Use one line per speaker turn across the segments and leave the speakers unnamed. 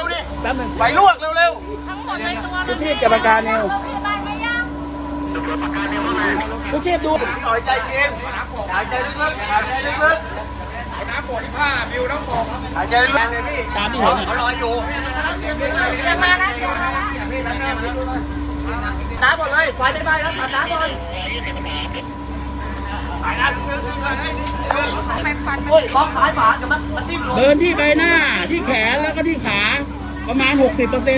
วดิ
แป๊บนึง
ไฟลวกเร็ว
ทั้งหมดในตัว
ผู้ชีพกับปากกาเนว
โรงพยาบาลไม่ยัง
ผู้ชีพดู
ๆหน่อยใจเย็นหายใจลึกๆหายใจลึกๆน้ำปวดที่ผ้าบิวน้ำปกหายใจลึกๆเลยพี่
ตามที่เห็น
เขารออยู่
จะมาแล้วจะมาแล้ว
น้ำหมดเลยไฟไม่ไหม้แล้วตัดน้ำหมดหายน้ำลึกๆเลย
ไปฟัน
โอ้ยบล็อกซ้ายฝาจะมาติ้งลง
เดินที่ใบหน้าที่แขนแล้วก็ที่ขาประมาณ 60%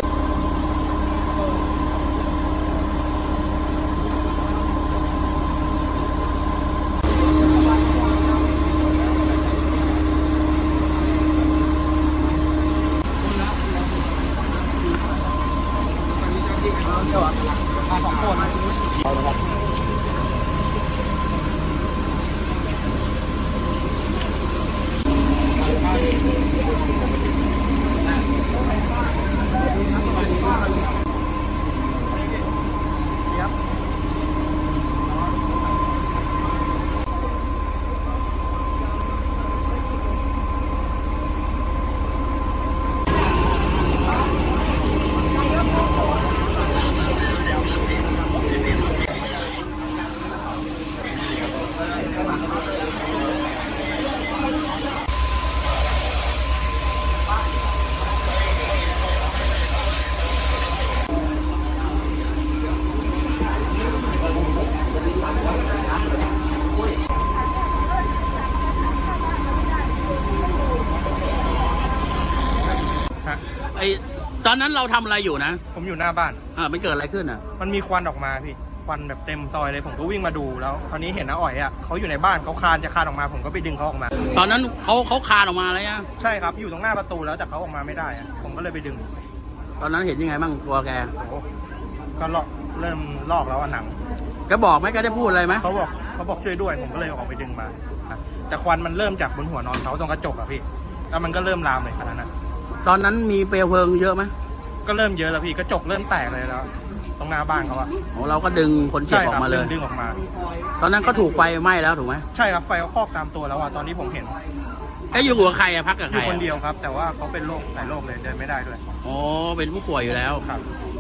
ไอตอนนั้นเราทำอะไรอยู่นะ
ผมอยู่หน้าบ้าน
มันเกิดอะไรขึ้นอ่ะ
มันมีควันออกมาพี่ ควันแบบเต็มซอยเลย ผมก็วิ่งมาดูแล้วคราวนี้เห็นน้าอ๋อยอ่ะเขาอยู่ในบ้านเขาคลานจะคลานออกมา ผมก็ไปดึงเขาออกมา
ตอนนั้นเขาคลานออกมาแล้วยัง
ใช่ครับ อยู่ตรงหน้าประตูแล้วแต่เขาออกมาไม่ได้อะผมก็เลยไปดึง
ตอนนั้นเห็นยังไงบ้างตัวแก
โอ้ก็เริ่มลอกแล้วอะหนัง
แกบอกไหมแกได้พูดอะไรไหม
เขาบอกช่วยด้วย ผมก็เลยออกไปดึงมาแต่ควันมันเริ่มจากบนหัวนอนเขาตรงกระจกอะพี่ แล้วมันก็เริ่มลามเลยขนาดนั้น
ตอนนั้นมีเปลวเพลิงเยอะไหม
ก็เริ่มเยอะแล้วพี่ กระจกเริ่มแตกเลยแล้ว ตรงหน้าบ้านเขาอะ
เราก็ดึงคนเจ็บ
ใช่
ออ
ครั
กมาเลย
ดึงออกมา
ตอนนั้นก็ถูกไฟไหม้แล้วถูกไหม
ใช่ครับ ไฟเขาครอบตามตัวแล้วอะตอนนี้ผมเห็น
แกอยู่กับใครอะพักกับ
อ
ใคร
ยู่
อะ
คนเดียวครับ แต่ว่าเขาเป็นโรคหลายโรคเลยเดินไม่ได้ด้วย
อ๋อเป็นผู้ป่วยอยู่แล้ว
ครับ